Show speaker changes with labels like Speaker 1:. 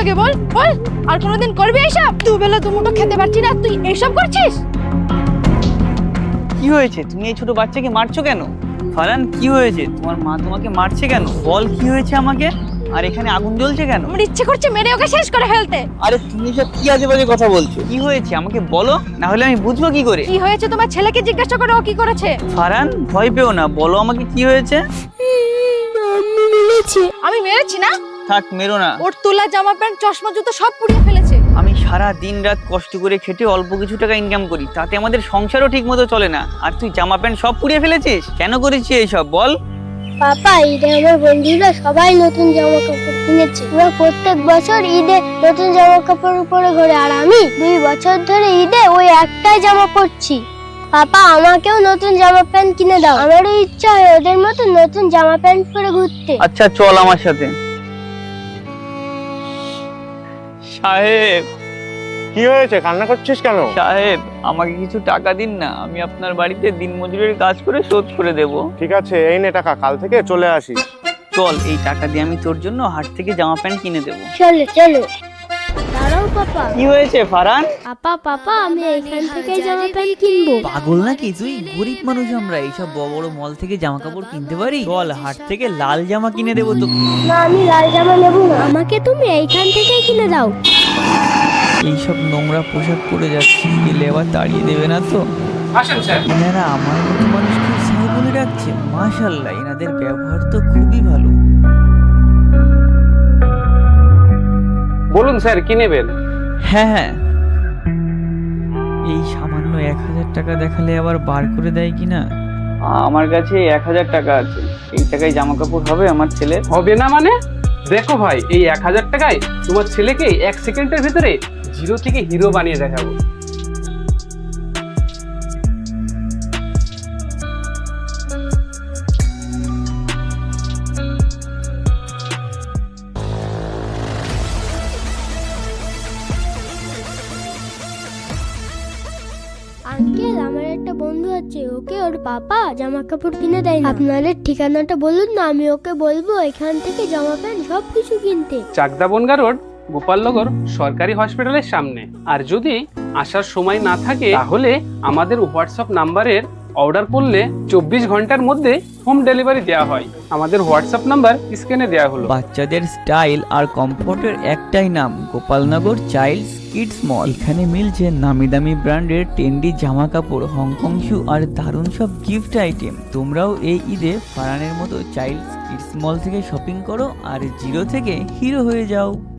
Speaker 1: আগে বল বল, আর কোনোদিন করবি এইসব? দুবেলা দুমুঠো খেতে পারছি না, তুই এইসব করছিস?
Speaker 2: কি হয়েছে? তুমি এই ছোট বাচ্চাকে মারছো কেন? ফারহান, কি হয়েছে? তোমার মা তোমাকে মারছে কেন? বল, কি হয়েছে আমাকে? আর এখানে আগুন জ্বলছে কেন?
Speaker 1: আমার ইচ্ছে করছে মেরে ওকে শেষ করে ফেলতে।
Speaker 2: আরে তুমি সব কি আজে বাজে কথা বলছো? কি হয়েছে আমাকে বলো, না হলে আমি বুঝবো কি করে?
Speaker 1: কি হয়েছে তোমার ছেলেকে জিজ্ঞাসা করো, ও কি করেছে।
Speaker 2: ফারহান, ভয় পেও না, বলো আমাকে কি হয়েছে।
Speaker 1: আমি মেরেছি না?
Speaker 2: থাক, মেরো না।
Speaker 1: ওর তোলা জামা প্যান্ট চশমা জুতো সব পুড়িয়ে ফেলেছে।
Speaker 2: আমি সারা দিন রাত কষ্ট করে খেটে অল্প কিছু টাকা ইনকাম করি, তাতে আমাদের সংসারও ঠিক মতো চলে না, আর তুই জামা প্যান্ট সব পুড়িয়ে ফেলেছিস? কেন করেছিস এইসব বল?
Speaker 3: পাপা, ঈদে আমার বন্ধুরা সবাই নতুন জামা কাপড় কিনেছে। ওরা প্রত্যেক বছর ঈদে নতুন জামা কাপড় পরে ঘোরে, আর আমি 2 বছর ধরে ঈদে ওই একটাই জামা পরছি। পাপা, আমাকেও নতুন জামা প্যান্ট কিনে দাও। আমারও ইচ্ছা হয় ওদের মতো নতুন জামা প্যান্ট পরে ঘুরতে।
Speaker 2: আচ্ছা চল আমার সাথে। সাহেব,
Speaker 4: কি হয়েছে? কান্না করছিস কেন?
Speaker 2: সাহেব আমাকে কিছু টাকা দিন না, আমি আপনার বাড়িতে দিনমজুরের কাজ করে শোধ করে দেব।
Speaker 4: ঠিক আছে, এই নে টাকা, কাল থেকে চলে আসিস।
Speaker 2: চল, এই টাকা দিয়ে আমি তোর জন্য হাট থেকে জামা প্যান্ট কিনে দেবো।
Speaker 3: চলো চলো। দাঁড়াও পাপা।
Speaker 2: কি হয়েছে ফারহান?
Speaker 3: পাপা, আমি এখান থেকে জামা প্যান্ট কিনবো।
Speaker 2: পাগল নাকি তুই? গরিব মানুষ আমরা, এইসব বড় বড় মল থেকে জামা কাপড় কিনতে পারি? চল, হাট থেকে লাল জামা কিনে দেবো তোকে।
Speaker 3: না, আমি লাল জামা নেবো না, আমাকে তুমি এইখান থেকেই কিনে দাও।
Speaker 2: এইসব নোংরা পোশাক পরে যাচ্ছি, গেলে আবার তাড়িয়ে দেবে না তো?
Speaker 5: আসেন স্যার।
Speaker 2: এনারা আমার মতো মানুষকে স্যার বলে ডাকছে, মাশাআল্লাহ, এনাদের ব্যবহার তো খুবই ভালো।
Speaker 5: বলুন স্যার, কি নেবেন?
Speaker 2: হ্যাঁ হ্যাঁ, এই সামান্য 1000 টাকা দেখালে আবার বার করে দেয় কিনা। আমার কাছে 1000 টাকা আছে, এই টাকায় জামা কাপড় হবে আমার ছেলে?
Speaker 5: হবে না মানে? দেখো ভাই, এই 1000 টাকায় তোমার ছেলেকে 1 সেকেন্ডের ভিতরে জিরো থেকে হিরো বানিয়ে দেখাবো।
Speaker 3: আঙ্কেল, আমার একটা বন্ধু আছে, ওকে ওর পাপা জামা কাপড় কিনে দেয় না। আপনাদের ঠিকানাটা বলুন না, আমি ওকে বলবো এখান থেকে জামা প্যান্ট সবকিছু কিনতে।
Speaker 5: চাকদা বনগা রোড, গোপালনগর সরকারি হসপিটালের সামনে। আর যদি আসার সময় না থাকে তাহলে আমাদের হোয়াটসঅ্যাপ নাম্বারের অর্ডার করলে 24 ঘন্টার মধ্যে হোম ডেলিভারি দেওয়া হয়। আমাদের হোয়াটসঅ্যাপ নাম্বার স্ক্রিনে দেওয়া হলো।
Speaker 2: বাচ্চাদের স্টাইল আর কমফোর্টের একটাই নাম, গোপালনগর চাইল্ডস কিডস মল। এখানে মিলছে নামি দামি ব্র্যান্ডের ট্রেন্ডি জামা কাপড়, হংকং শু আর দারুণ সব গিফট আইটেম। তোমরাও এই ঈদে ফারহানের মতো চাইল্ডস কিডস মল থেকে শপিং করো আর জিরো থেকে হিরো হয়ে যাও।